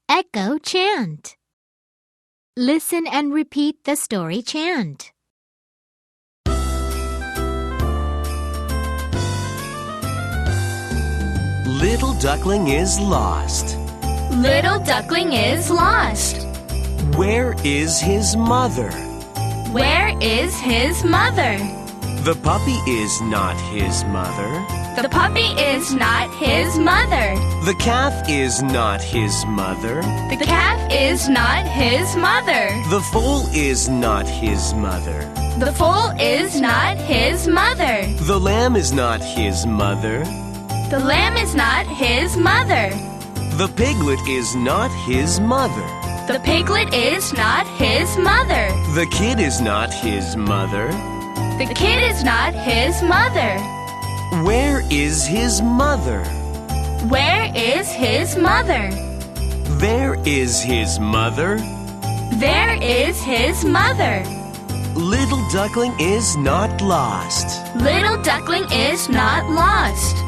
Echo chant. Listen and repeat the story chant. Little duckling is lost. Little duckling is lost. Where is his mother? Where is his mother? The puppy is not his mother. The puppy is not his mother. The calf is not his mother. The calf is not his mother. The foal is not his mother. The foal is not his mother. The lamb is not his mother. The lamb is not his mother. The piglet is not his mother. The piglet is not his mother. The kid is not his mother. The kid is not his mother. Where is his mother? Where is his mother? There is his mother. There is his mother. Little duckling is not lost. Little duckling is not lost.